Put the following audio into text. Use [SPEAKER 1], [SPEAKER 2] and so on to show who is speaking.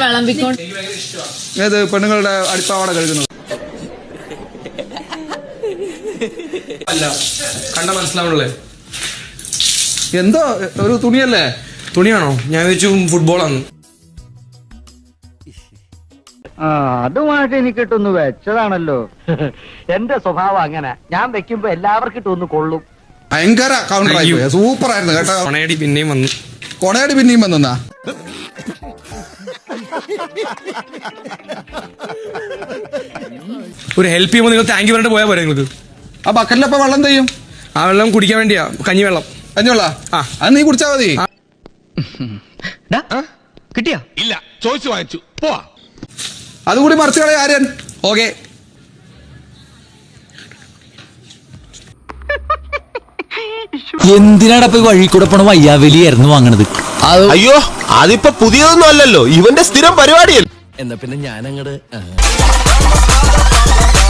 [SPEAKER 1] വിളമ്പിക്കൊണ്ട്
[SPEAKER 2] ഏത് പെണ്ണുങ്ങളുടെ അടിപ്പാവാട കഴുകുന്നത്
[SPEAKER 3] അല്ല കണ്ട മനസ്സിലാവണല്ലേ
[SPEAKER 2] എന്തോ ഒരു തുണിയല്ലേ?
[SPEAKER 3] തുണിയാണോ? ഞാൻ വെച്ചു ഫുട്ബോളാണ്.
[SPEAKER 4] അതുമായിട്ട് എനിക്കിട്ടൊന്ന് വെച്ചതാണല്ലോ. എന്റെ സ്വഭാവം അങ്ങനെ, ഞാൻ വെക്കുമ്പോ എല്ലാവർക്കും ഇട്ടൊന്ന് കൊള്ളും.
[SPEAKER 2] ഭയങ്കര കൗണ്ടർ ആയി, സൂപ്പർ ആയിരുന്നു കേട്ടോ.
[SPEAKER 3] കൊണയടി പിന്നെയും വന്നു.
[SPEAKER 2] കൊണയടി പിന്നെയും വന്നാ
[SPEAKER 3] ഒരു ഹെൽപ്പ് ചെയ്യുമ്പോൾ നിങ്ങൾ താങ്ക് യു പറഞ്ഞിട്ട് പോയാൽ പോരെ നിങ്ങൾക്ക്?
[SPEAKER 2] ആ ബക്കറ്റിലപ്പോ വെള്ളം ചെയ്യും?
[SPEAKER 3] ആ വെള്ളം കുടിക്കാൻ വേണ്ടിയാ, കഞ്ഞിവെള്ളം.
[SPEAKER 2] കഞ്ഞിവെള്ള അത് നീ കുടിച്ചാ മതി.
[SPEAKER 4] കിട്ടിയാ?
[SPEAKER 5] ഇല്ല, ചോദിച്ചു വാങ്ങിച്ചു പോവാ.
[SPEAKER 2] അതുകൂടി മറിച്ച് കളയാ ആര്യൻ.
[SPEAKER 3] ഓക്കെ.
[SPEAKER 6] എന്തിനാണ് ഇപ്പൊ വഴി കൂടെ പോണ വയ്യാവലിയായിരുന്നു വാങ്ങണത്?
[SPEAKER 5] അയ്യോ, അതിപ്പോ പുതിയതൊന്നും അല്ലല്ലോ, ഇവന്റെ സ്ഥിരം പരിപാടിയല്ലേ.
[SPEAKER 6] എന്നാ പിന്നെ ഞാൻ അങ്ങട്